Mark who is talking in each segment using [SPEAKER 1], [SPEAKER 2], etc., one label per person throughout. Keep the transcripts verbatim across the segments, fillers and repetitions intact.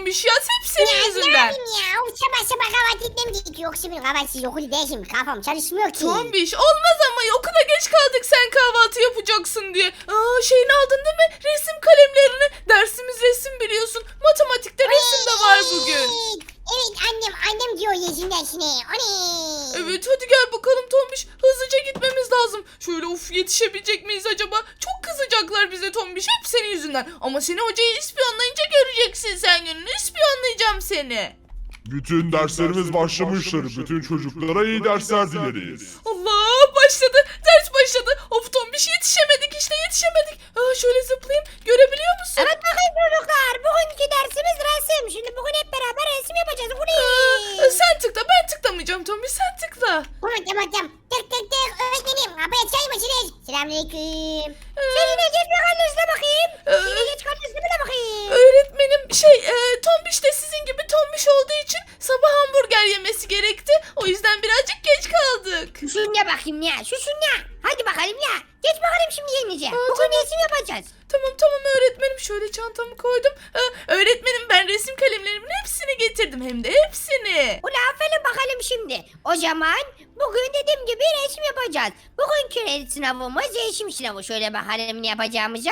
[SPEAKER 1] Tombiş ya. Hep senin
[SPEAKER 2] Ya ne
[SPEAKER 1] yüzünden.
[SPEAKER 2] yapayım ya? Of, sabah sabah kahvaltı etmem gerekiyor. Yoksa benim kahvaltısız okul değil şimdi. Kafam çalışmıyor ki.
[SPEAKER 1] Tombiş olmaz ama okula geç kaldık sen kahvaltı yapacaksın diye. Aa, şeyini aldın değil mi? Resim kalemlerini. Dersimiz resim biliyorsun. Matematikte resim de var bugün.
[SPEAKER 2] Evet annem annem diyor yeşil dersine. Oley.
[SPEAKER 1] Evet hadi gel bakalım Tombiş. Hızlıca gitmemiz lazım. Şöyle uf yetişebilecek miyiz acaba? Çok kızacaklar bize Tombiş. Hep senin yüzünden. Ama seni hocayı ispiyonlayınca göreceksin sen gününü. İspiyonlayacağım seni.
[SPEAKER 3] Bütün derslerimiz başlamıştır. Bütün çocuklara iyi dersler dileriz.
[SPEAKER 1] Allah başladı. Ders başladı. Of Tombiş yetişemedik işte yetişemedik. Aa, şöyle zıplayayım. Görebiliyor musun?
[SPEAKER 2] Evet bakayım çocuklar. Bugünkü dersimiz resim. Şimdi bugün hep beraber resim yapacağız. Bu
[SPEAKER 1] Aa,
[SPEAKER 2] ne?
[SPEAKER 1] sen tıkla ben tıklamayacağım Tombiş sen tıkla.
[SPEAKER 2] Tamam tamam tamam. Tık tık tık. Öğretmenim. Kapıya çay mısınız? Selamünaleyküm.
[SPEAKER 1] Ee,
[SPEAKER 2] Seninle geç bakalım üstüne bakayım.
[SPEAKER 1] Ee,
[SPEAKER 2] Seninle geç bakalım üstüne de bakayım.
[SPEAKER 1] Öğretmenim şey e, Tombiş de sizin gibi Tombiş olduğu için sabah hamburger yemesi gerekti. O yüzden birazcık geç kaldık.
[SPEAKER 2] Şusun ya bakayım ya. Şusun ya. Hadi bakalım ya. Geç bakalım şimdi yerinize.
[SPEAKER 1] Aa,
[SPEAKER 2] Bugün
[SPEAKER 1] tamam.
[SPEAKER 2] resim yapacağız.
[SPEAKER 1] Tamam tamam öğretmenim şöyle çantamı koydum. Ee, öğretmenim ben resim kalemlerimin hepsini getirdim hem de hepsini.
[SPEAKER 2] Ula aferin bakalım şimdi. O zaman bugün dediğim gibi resim yapacağız. Bugünkü sınavımız resim sınavı. Şöyle bakalım ne yapacağımıza.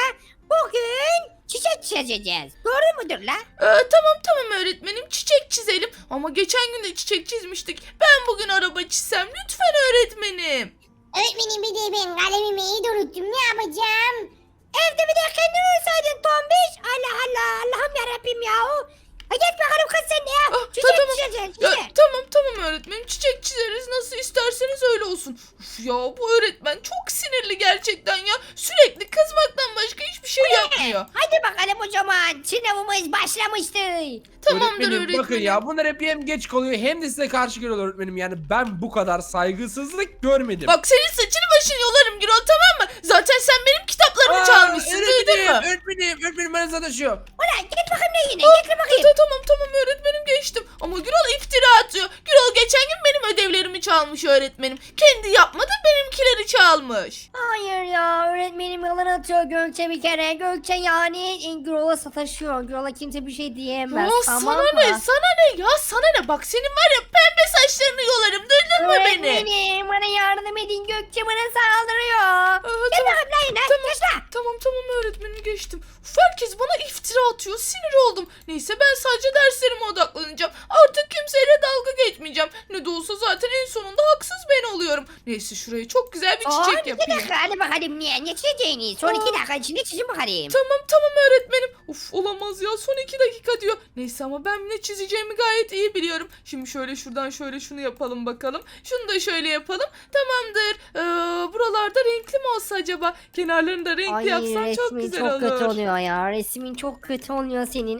[SPEAKER 2] Bugün çiçek çizeceğiz. Doğru mudur la?
[SPEAKER 1] Ee, tamam tamam öğretmenim çiçek çizelim. Ama geçen gün de çiçek çizmiştik. Ben bugün araba çizsem lütfen öğretmenim.
[SPEAKER 2] Öğretmenim bir de ben kalemimi iyi de unuttum. Ne yapacağım? Evde bir de kendin olsaydın tombiş. Allah Allah. Allah'ım yarabbim yahu. Ha geç bakalım kız sen de ya.
[SPEAKER 1] Ah,
[SPEAKER 2] Çiçek
[SPEAKER 1] tamam.
[SPEAKER 2] çizeceksin.
[SPEAKER 1] Ya,
[SPEAKER 2] Çiçek.
[SPEAKER 1] tamam tamam öğretmenim çiçek çizeriz nasıl isterseniz öyle olsun. Uf ya bu öğretmen çok sinirli gerçekten ya. Sürekli kızmaktan başka hiçbir şey yapmıyor.
[SPEAKER 2] Hadi bakalım o zaman. Sınavımız başlamıştır.
[SPEAKER 1] Tamamdır
[SPEAKER 4] öğretmenim,
[SPEAKER 1] öğretmenim.
[SPEAKER 4] bakın ya bunlar hep hem geç kalıyor hem de size karşı geliyorlar öğretmenim. Yani ben bu kadar saygısızlık görmedim.
[SPEAKER 1] Bak senin saçını başını yolarım Gürol tamam mı? Zaten sen benim kitaplarımı
[SPEAKER 4] Aa,
[SPEAKER 1] çalmışsın duydun
[SPEAKER 4] öğretmenim,
[SPEAKER 1] mu?
[SPEAKER 4] öğretmenim, öğretmenim bana sataşıyor.
[SPEAKER 2] Ulan git bakayım ne yine.
[SPEAKER 1] Aa,
[SPEAKER 2] Getir bakayım.
[SPEAKER 1] ta- tamam tamam öğretmenim geçtim. Ama Gürol iftira atıyor. Gürol geçen gün benim ödevlerimi çalmış öğretmenim. Kendi yapmadı benimkileri çalmış.
[SPEAKER 2] Hayır ya öğretmenim yalan atıyor Gökçe bir kere. Gökçe yani Gürol'a sataşıyor. Gürol'a kimse bir şey diyemez.
[SPEAKER 1] Ya
[SPEAKER 2] tamam
[SPEAKER 1] sana
[SPEAKER 2] mı?
[SPEAKER 1] ne sana ne ya sana ne bak senin var ya pembe saçlarını yolarım duydun mu beni?
[SPEAKER 2] Öğretmenim bana yardım edin Gökçe bana saldırıyor.
[SPEAKER 1] Aa,
[SPEAKER 2] Gel
[SPEAKER 1] tamam,
[SPEAKER 2] bakalım lan yine.
[SPEAKER 1] tamam,
[SPEAKER 2] Geç lan.
[SPEAKER 1] tamam tamam öğretmenim geçtim. Uf, herkes bana iftira atıyor sinir oldum. Neyse ben sadece derslerime odaklanacağım. Artık kimseyle dalga geçmeyeceğim. Ne de olsa zaten en sonunda haksız ben oluyorum. Neyse şuraya çok güzel bir
[SPEAKER 2] Son
[SPEAKER 1] çiçek
[SPEAKER 2] iki
[SPEAKER 1] yapayım.
[SPEAKER 2] dakika hadi bakalım niye? Ne çizeceğiniz? Son
[SPEAKER 1] Aa.
[SPEAKER 2] iki dakika içinde çizin bakalım.
[SPEAKER 1] Tamam tamam öğretmenim. Uf olamaz ya son iki dakika diyor. Neyse ama ben ne çizeceğimi gayet iyi biliyorum. Şimdi şöyle şuradan şöyle şunu yapalım bakalım. Şunu da şöyle yapalım. Tamamdır. Ee, buralarda renkli mi olsa acaba? Kenarlarını da renkli
[SPEAKER 5] Ay
[SPEAKER 1] yapsam çok
[SPEAKER 5] resmin
[SPEAKER 1] güzel
[SPEAKER 5] çok
[SPEAKER 1] olur.
[SPEAKER 5] kötü oluyor ya. Resmin çok kötü oluyor senin.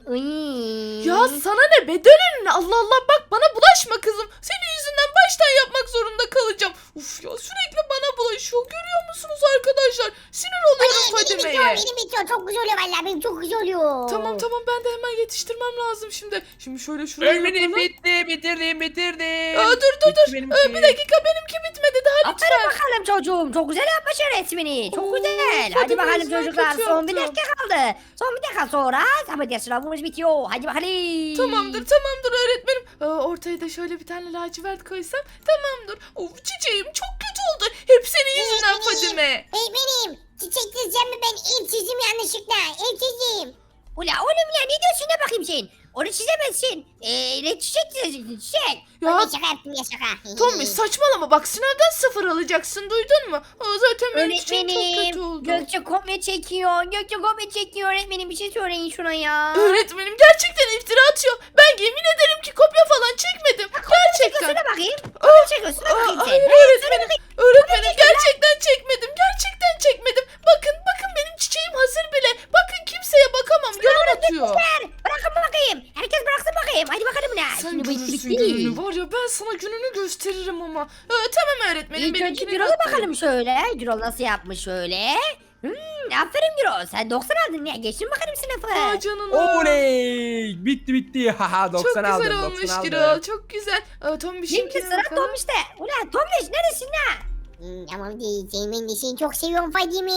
[SPEAKER 5] Iy.
[SPEAKER 1] Ya sana ne be dön önüne Allah Allah bak bana bulaşma kızım. Senin yüzünden baştan yapmak zorunda kalacağım. Uf ya sürekli bana bulaşıyor görüyor musunuz arkadaşlar? Sinir oluyorum
[SPEAKER 2] Benim bitiyor,
[SPEAKER 1] Fadime'ye.
[SPEAKER 2] benim bitiyor. Çok güzel oluyor vallahi. Benim çok güzel oluyor.
[SPEAKER 1] Tamam tamam ben de hemen yetiştirmem lazım şimdi. Şimdi şöyle şuraya
[SPEAKER 4] Öğretmenim
[SPEAKER 1] yapalım.
[SPEAKER 4] bitti, bitirdim, bitirdim.
[SPEAKER 1] Aa, dur dur
[SPEAKER 4] Bitti
[SPEAKER 1] dur.
[SPEAKER 4] benimki.
[SPEAKER 1] Ee, bir dakika benimki bitmedi daha
[SPEAKER 2] Aferin
[SPEAKER 1] lütfen.
[SPEAKER 2] bakalım çocuğum. Çok güzel yapmışsın resmini. Çok
[SPEAKER 1] Oo,
[SPEAKER 2] güzel.
[SPEAKER 1] hadi
[SPEAKER 2] Hadi bakalım
[SPEAKER 1] Özlem,
[SPEAKER 2] çocuklar.
[SPEAKER 1] kötü
[SPEAKER 2] Son bir
[SPEAKER 1] yaptım.
[SPEAKER 2] dakika kaldı. Son bir dakika sonra sabah sınavımız bitiyor. Hadi bakalım.
[SPEAKER 1] Tamamdır tamamdır öğretmenim. Aa, ortaya da şöyle bir tane lacivert koysam tamamdır. Of çiçeğim çok kötü oldu. Hep senin yüzünden Fadime.
[SPEAKER 2] Benim çiçek çizeceğim mi ben ev çizdim yanlışlıkla. Ev çizeyim. Ula oğlum ya ne diyorsun ne bakayım sen? Onu çizemezsin. Eee ne çiçek çizeceksin çiçek.
[SPEAKER 1] Ya
[SPEAKER 2] Ya. Şaka yaptım ya şaka.
[SPEAKER 1] Tommy saçmalama bak sınavdan sıfır alacaksın duydun mu? Aa, zaten benim çiçeğim çok kötü
[SPEAKER 5] Öğretmenim
[SPEAKER 1] oldu.
[SPEAKER 5] Gökçe kopya çekiyor. Gökçe kopya çekiyor öğretmenim bir şey söyleyin şuna ya.
[SPEAKER 1] Öğretmenim gerçekten iftira atıyor. Ben yemin ederim ki kopya falan çekmedim. Gerçekten.
[SPEAKER 2] Çekiyorsun bakayım.
[SPEAKER 1] Aa,
[SPEAKER 2] Çekiyorsun
[SPEAKER 1] aa,
[SPEAKER 2] bakayım sen.
[SPEAKER 1] hayır
[SPEAKER 2] Ha,
[SPEAKER 1] öğretmenim. Öğretmenim gerçekten çekmedim. Gerçekten çekmedim. Bakın bakın benim çiçeğim hazır bile. Bakın kimseye bakamam. Yalan atıyor.
[SPEAKER 2] Ver, bırakın bakayım. Herkes bıraksın bakayım. Hadi bakalım ne?
[SPEAKER 1] Sen
[SPEAKER 2] Şimdi bu
[SPEAKER 1] görürsün
[SPEAKER 2] işlik
[SPEAKER 1] gününü
[SPEAKER 2] değil.
[SPEAKER 1] var ya ben sana gününü gösteririm ama. Ee, tamam öğretmenim
[SPEAKER 5] İlk önce
[SPEAKER 1] benimkini
[SPEAKER 5] Gürol'a
[SPEAKER 1] yaptım.
[SPEAKER 5] bakalım şöyle. Gürol nasıl yapmış şöyle.
[SPEAKER 2] Hmm, aferin Gürol. Sen doksan aldın ya. Geçtin bakalım sınıfı.
[SPEAKER 1] Aa canına.
[SPEAKER 4] Oley! Bitti bitti. Haha
[SPEAKER 1] Çok
[SPEAKER 4] doksan aldım.
[SPEAKER 1] güzel
[SPEAKER 4] doksan
[SPEAKER 1] olmuş
[SPEAKER 4] aldım.
[SPEAKER 1] Gürol. Çok güzel. Ee, Tom bir
[SPEAKER 2] Şimdi
[SPEAKER 1] şeykine
[SPEAKER 2] sıra
[SPEAKER 1] bakalım.
[SPEAKER 2] Tombiş de. Ulan Tombiş neresin lan? Hmm, tamam diyeceğim. Ben de seni çok seviyorum Fadime.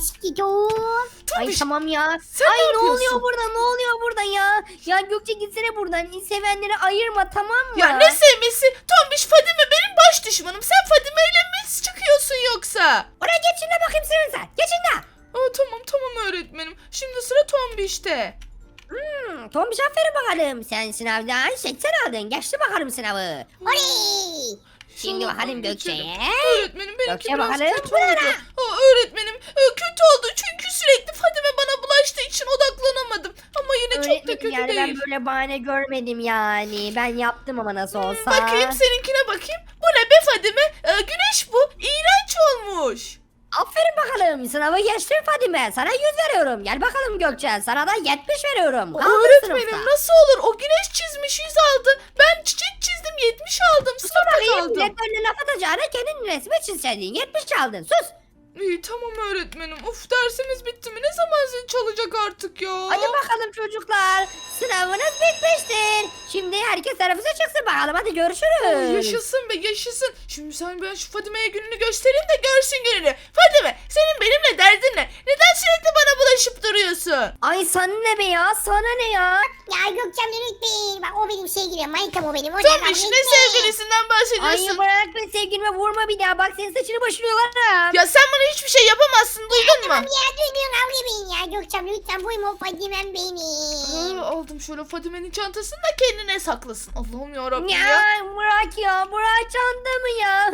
[SPEAKER 2] Aşkım.
[SPEAKER 5] Ay
[SPEAKER 1] Tombiş,
[SPEAKER 5] tamam ya.
[SPEAKER 1] sen
[SPEAKER 5] Ay
[SPEAKER 1] ne
[SPEAKER 5] ne
[SPEAKER 1] yapıyorsun?
[SPEAKER 5] oluyor burada ne oluyor burada ya? Ya Gökçe gitsene buradan. Sevenleri ayırma tamam mı?
[SPEAKER 1] Ya ne sevmesi? Tombiş, Fadime benim baş düşmanım. Sen Fadime ile mi çıkıyorsun yoksa?
[SPEAKER 2] Oraya geçin de bakayım sınıfta. Geçin de.
[SPEAKER 1] Aa, tamam tamam öğretmenim. Şimdi sıra Tombiş'te.
[SPEAKER 2] Hmm, Tombiş aferin bakalım. Sen sınavdan seksen aldın. Geçti bakalım sınavı. Oley. Şimdi
[SPEAKER 1] Şunu
[SPEAKER 2] bakalım
[SPEAKER 1] geçelim.
[SPEAKER 2] Gökçe'ye.
[SPEAKER 1] Öğretmenim benimki
[SPEAKER 2] Gökçe
[SPEAKER 1] biraz
[SPEAKER 2] bakalım,
[SPEAKER 1] kötü
[SPEAKER 2] buyurun.
[SPEAKER 1] oldu. Aa, öğretmenim e, kötü oldu çünkü sürekli Fadime bana bulaştığı için odaklanamadım. Ama yine çok da
[SPEAKER 5] Öğretmenim
[SPEAKER 1] kötü
[SPEAKER 5] yani ben
[SPEAKER 1] değil.
[SPEAKER 5] böyle bahane görmedim yani. Ben yaptım ama nasıl olsa.
[SPEAKER 1] Bakayım seninkine bakayım. Bu ne be Fadime? Ee, güneş bu. İğrenç olmuş.
[SPEAKER 2] Aferin bakalım. Sınavı geçtin Fadime. Sana yüz veriyorum. Gel bakalım Gökçe. Sana da yetmiş veriyorum. Kaldın
[SPEAKER 1] Öğretmenim
[SPEAKER 2] sınıfta.
[SPEAKER 1] nasıl olur? O güneş çizmiş yüz aldı. Ben çiçek çizdim yetmiş aldım. Sınıfta
[SPEAKER 2] Bakayım
[SPEAKER 1] kaldım.
[SPEAKER 2] millet önüne laf atacağına kendin resmi çizseydin. yetmiş aldın. Sus.
[SPEAKER 1] İyi tamam öğretmenim. Uf dersimiz bitti mi? Ne zaman zil çalacak artık ya?
[SPEAKER 2] Hadi bakalım çocuklar. Sınavınız bitmiştir. Şimdi herkes teneffüse çıksın bakalım. Hadi görüşürüz.
[SPEAKER 1] Ay, yaşasın be yaşasın. Şimdi sen ben şu Fadime'ye gününü göstereyim de görsün gününü. Fadime senin benimle derdin ne? Neden sürekli bana bulaşıp duruyorsun?
[SPEAKER 5] Ay sana ne be ya? Sana ne ya?
[SPEAKER 2] Ya Gökçem lütfen. Bak o benim sevgilim. Manitam o benim. O
[SPEAKER 1] Tombiş ne sevgilisinden
[SPEAKER 5] Ay
[SPEAKER 1] bahsediyorsun?
[SPEAKER 5] bırak be sevgilime vurma bir daha. Bak senin saçını başını yolarım.
[SPEAKER 1] Ya sen bana hiçbir şey yapamazsın duydun mu?
[SPEAKER 2] Ya duymuyorum kavga edin ya. Gökçem lütfen buyma Fadime'm benim.
[SPEAKER 1] Aa, aldım şöyle Fadime'nin çantasını da kendine saklasın. Allah'ım yarabbim ya.
[SPEAKER 5] Ya bırak ya. Bırak çantamı ya.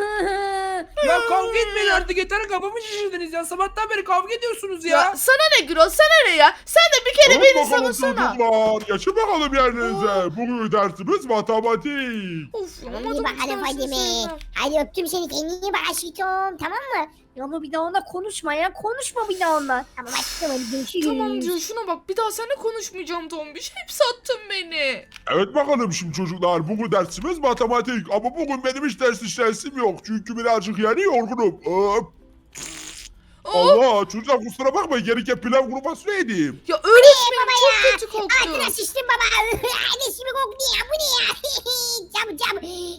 [SPEAKER 4] Ya kavga etmeyin artık yeter, kafamı şişirdiniz ya. Sabahtan beri kavga ediyorsunuz ya.
[SPEAKER 1] Ya sana ne Gürol sana ne ya? Sen de bir kere
[SPEAKER 3] Hadi
[SPEAKER 1] beni
[SPEAKER 3] bakalım
[SPEAKER 1] savunsana.
[SPEAKER 3] çocuklar. Geçin bakalım yerlerinize. Bugün dersimiz matematik.
[SPEAKER 1] Of ya
[SPEAKER 2] İyi
[SPEAKER 1] matematik
[SPEAKER 2] bakalım
[SPEAKER 1] dersini
[SPEAKER 2] Fadime.
[SPEAKER 1] sevmem.
[SPEAKER 2] Hadi öptüm seni. Kendine iyi bak aşkım. Tamam mı?
[SPEAKER 5] Ya ama bir daha onunla konuşma ya. Konuşma bir daha onunla.
[SPEAKER 2] Tamam aşkım hadi görüşürüz.
[SPEAKER 1] Tamam diyor şuna bak bir daha seninle konuşmayacağım Tombiş. Hep sattın beni.
[SPEAKER 3] Evet bakalım şimdi çocuklar. Bugün dersimiz matematik. Ama bugün benim hiç ders işlesim yok. Çünkü birazcık yani yorgunum. Hop.
[SPEAKER 1] Of,
[SPEAKER 3] Allah çocuklar kusura bakmayın. Gereken pilav kuru fasulye yedim.
[SPEAKER 1] ya öğretmenim çok kötü koktu.
[SPEAKER 2] Altına sıçtım baba. Annesi koktu ya. Bu ne ya? Cam cam.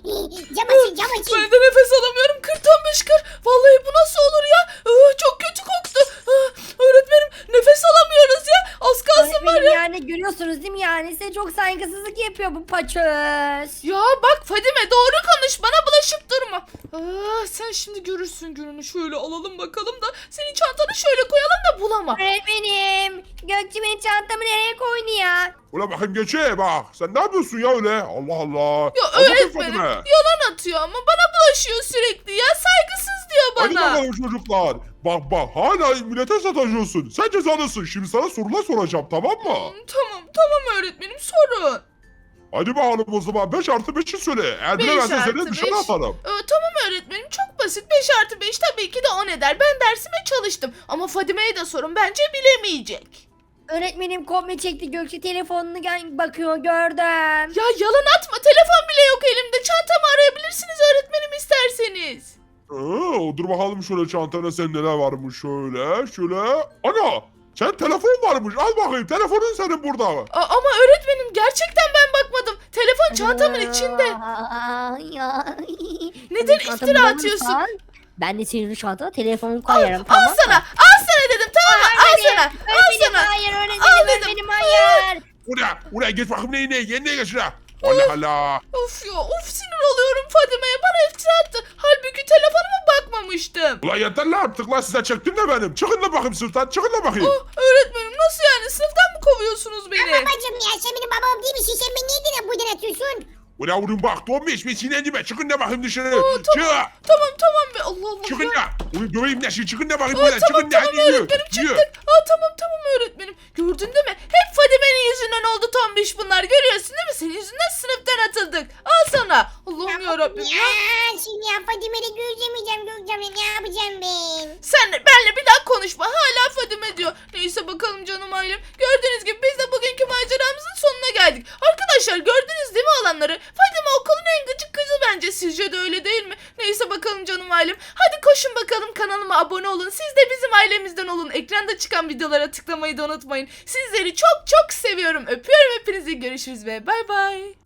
[SPEAKER 2] Cam açın cam açın.
[SPEAKER 1] Ben de nefes alamıyorum. Kır Tombiş kır. Vallahi bu nasıl olur ya? Aa, çok kötü koktu. Aa, öğretmenim nefes alamıyoruz ya. Az kalsın var
[SPEAKER 5] Öğretmenim
[SPEAKER 1] ya.
[SPEAKER 5] yani görüyorsunuz değil mi yani? Size çok saygısızlık yapıyor bu paçöz.
[SPEAKER 1] Ya bak Fadime doğru konuş. Bana bulaşıp durma. Aa, sen şimdi görürsün gününü. Şöyle alalım bakalım da senin çantanı şöyle koyalım da bulama.
[SPEAKER 5] Öğretmenim. Gökçe benim çantamı nereye koydu ya?
[SPEAKER 3] Ulan bakayım geçe bak. Sen ne yapıyorsun ya öyle? Allah Allah.
[SPEAKER 1] Ya
[SPEAKER 3] Al bakayım
[SPEAKER 1] öğretmenim
[SPEAKER 3] Fadime.
[SPEAKER 1] yalan atıyor ama bana bulaşıyor sürekli ya. Saygısız diyor
[SPEAKER 3] Hadi
[SPEAKER 1] bana.
[SPEAKER 3] bakalım çocuklar. Bak bak hala millete sataşıyorsun. Sen cezalısın. Şimdi sana sorular soracağım tamam mı?
[SPEAKER 1] Hmm, Tamam tamam öğretmenim sorun.
[SPEAKER 3] Hadi bakalım o zaman beş artı beşi söyle. Eğer
[SPEAKER 1] Beş
[SPEAKER 3] bilemezsen
[SPEAKER 1] artı
[SPEAKER 3] seni dışarı
[SPEAKER 1] beş.
[SPEAKER 3] atarım.
[SPEAKER 1] Ee, tamam öğretmenim çok basit. beş artı beş tabii ki de on eder. Ben dersime çalıştım. Ama Fadime'ye de sorun bence bilemeyecek.
[SPEAKER 5] Öğretmenim komple çekti Gökçe telefonunu gel- bakıyor gördüm.
[SPEAKER 1] Ya yalan atma telefon bile yok elimde. Çantamı arayabilirsiniz öğretmenim isterseniz.
[SPEAKER 3] Ee, dur bakalım şöyle çantana sen neler varmış şöyle. Şöyle. Ana! Sen telefon varmış. Al bakayım. Telefonun senin burada.
[SPEAKER 1] A- ama öğretmenim gerçekten ben bakmadım. Telefon çantamın içinde.
[SPEAKER 5] Aa, ya.
[SPEAKER 1] Neden
[SPEAKER 5] Çantamı
[SPEAKER 1] iftira
[SPEAKER 5] bulursan,
[SPEAKER 1] atıyorsun?
[SPEAKER 5] Ben de senin çantana telefonu
[SPEAKER 1] Al,
[SPEAKER 5] koyarım
[SPEAKER 1] al
[SPEAKER 5] tamam mı?
[SPEAKER 1] sana. Al sana dedim tamam mı? Al sana. Al
[SPEAKER 5] Öğretmenim
[SPEAKER 1] sana.
[SPEAKER 5] hayır
[SPEAKER 1] Al
[SPEAKER 5] öğretmenim
[SPEAKER 1] dedim.
[SPEAKER 5] öğretmenim hayır.
[SPEAKER 3] Buraya. Buraya geç bakayım neyine. Yenine geç şuraya. Allah Allah.
[SPEAKER 1] Of ya of sinir oluyorum Fadime'ye. Bana iftira attı. Halbuki telefonuma bakmamıştım.
[SPEAKER 3] Ulan yeter lan artık lan size çektim de benim. Çıkın da bakayım sınıftan. Çıkın da bakayım.
[SPEAKER 1] Oh, öğretmenim nasıl yani? Sınıftan mı kovuyorsunuz beni?
[SPEAKER 2] Babacım ya sen benim babam değil misin? Sen beni neden buradan atıyorsun?
[SPEAKER 3] Ulan vurun bak. Donmuş bir sinirlendirme. Çıkın da bakayım dışarı.
[SPEAKER 1] Aa,
[SPEAKER 3] Çık.
[SPEAKER 1] Tamam tamam be Allah Allah.
[SPEAKER 3] Çıkın
[SPEAKER 1] ya.
[SPEAKER 3] da. Ulan döveyim de şimdi. Çıkın da bakayım
[SPEAKER 1] Aa,
[SPEAKER 3] buradan.
[SPEAKER 1] tamam
[SPEAKER 3] Çıkın da.
[SPEAKER 1] tamam
[SPEAKER 3] Hadi yürü.
[SPEAKER 1] öğretmenim
[SPEAKER 3] Yürü.
[SPEAKER 1] çıktık. Aa, tamam tamam öğretmenim. Gördün değil mi? Hep Fadime'nin yüzünden oldu Tombiş bunlar. Görüyorsun değil mi? Senin yüzünden sınıftan atıldık. Al sana. Allah'ım yarabbim ya.
[SPEAKER 2] Ya şimdi ya Fadime'yle görüşemeyeceğim Gökçem'le ne yapacağım ben?
[SPEAKER 1] Sen de benle bir daha konuşma. Hala Fadime diyor. Neyse bakalım canım ailem. Gördüğünüz gibi biz de bugünkü maceramızın sonuna geldik. Arkadaşlar gördünüz değil mi olanları? Fadime okulun en gıcık kızı bence. Sizce de öyle değil mi? Neyse bakalım canım ailem. Hadi koşun bakalım kanalıma abone olun. Siz de bizim ailemizden olun. Ekranda çıkan videolara tıklamayı da unutmayın. Sizleri çok çok seviyorum. Öpüyorum hepinizi. Görüşürüz ve bay bay.